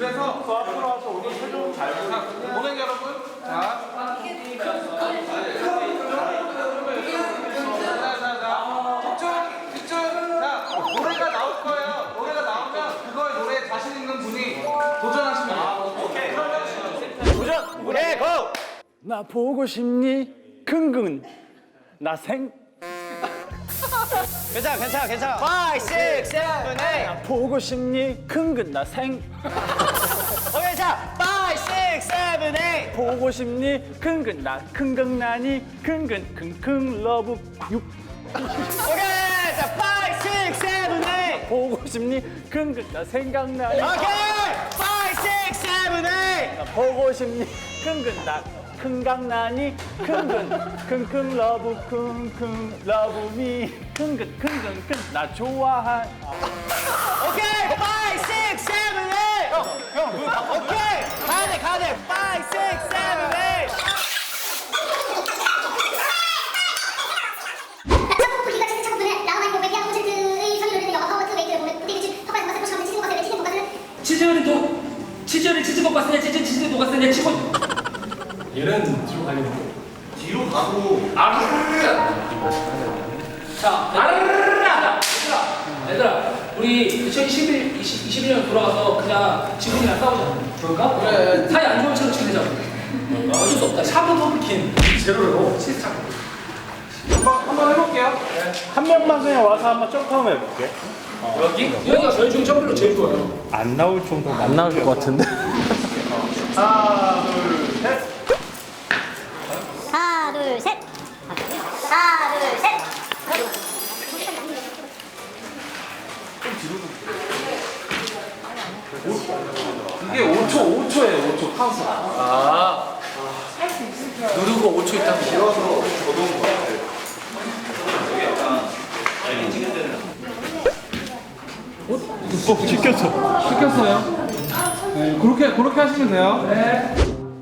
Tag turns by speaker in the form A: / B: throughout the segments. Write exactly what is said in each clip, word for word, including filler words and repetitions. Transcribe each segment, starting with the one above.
A: 그래서 그 앞으로 와서 오늘 최종 잘 보자. 고객 여러분, 자, 집중, 집중. 자, 노래가 나올 거예요. 노래가 나오면 그거에 노래에 자신 있는 분이 도전하시면 돼요. 오케이.
B: 도전! 네, 고!
C: 나 보고 싶니? 긍긍 나 생
B: 괜찮아, 괜찮아, 괜찮아. five, six, seven, eight.
C: 보고 싶니? 긍긍 나 생
B: 어, 괜찮아. five, six, seven, eight.
C: 보고 싶니? 긍긍 나 긍긍나니 긍긍 킁킁 러브 육
B: 오케이. 자, five, six, seven, eight.
C: 보고 싶니? 긍긍 나 생각나니
B: 오케이. five, six, seven, eight.
C: 나 보고 싶니? 긍긍 나 큰강나니 긍긍 킁킁 러브 킁킁 러브미 긍긍 긍긍 긍나 좋아한
B: 오케이. five, six, seven, eight. 형, 형, 눈 다. 오케이. 가야 돼, 가야 돼. five, six, seven, eight.
D: 우리가 진짜 작품들은 라우마인 고백이 한 퍼센트의 선율을 영화 파워트 웨이트를 보면 우리 집 터바에서 마사코 시험을 치는 것을 치는 것은
E: 치즈를 도 치즈를 치즈 볶았으냐 치즈 치즈 녹았으냐 치고 얘는 뒤로 가려고
A: 뒤로 가고.
E: 자 아르르르르르 얘들아 얘들아 우리 이천이십일 이십일 년 돌아가서 그냥 지금이랑 싸우자 그럴까?
A: 그래.
E: 사이 안 좋은 채로 지내자 어쩔 수 없다 샤브 펌킨 제로로 치즈 차고
A: 한번 한번 해볼게요.
C: 한 명만 그냥 와서 한번 점프 한번 해볼게
E: 여기? 여기가 저희 중에 점프로 제일 좋아요
C: 안 나올 정도가 안 나올 것 같은데
A: 하나, 둘, 셋.
D: 하나 둘셋 하나 둘셋
A: 이게 오 초, 오 초예요. 오 초 카운트.
E: 아 누르고 오 초 있다고
A: 길어서 저도 것 같아요.
C: 어? 시켰어
A: 시켰어요? 네, 그렇게 그렇게 하시면 돼요.
E: 네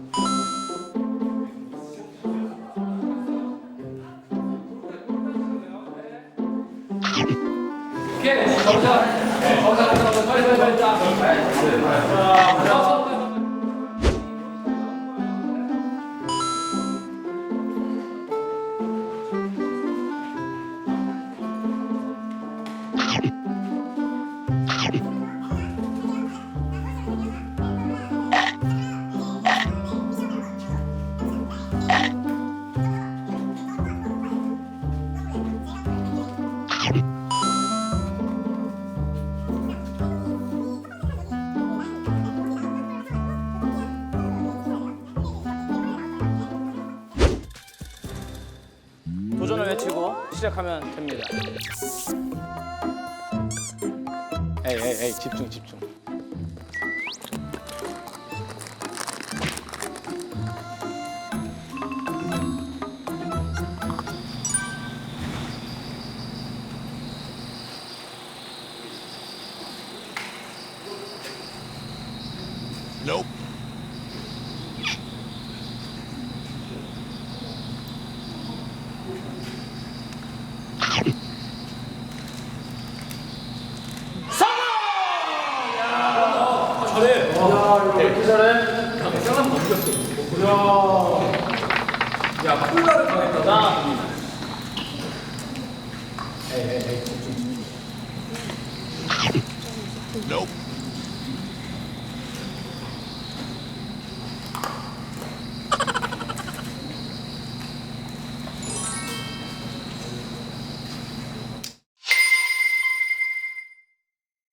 E: 오케이 가보자 가보자 가보자 빨리 빨리 빨리 자
C: 도전을 외치고 시작하면 됩니다 에이 에이 에이 집중 집중
E: 잘해
A: 이렇게 잘해?
E: 야 쌍남 넘겼어 야 야 콜라를 당했다 나 에이 에이 에이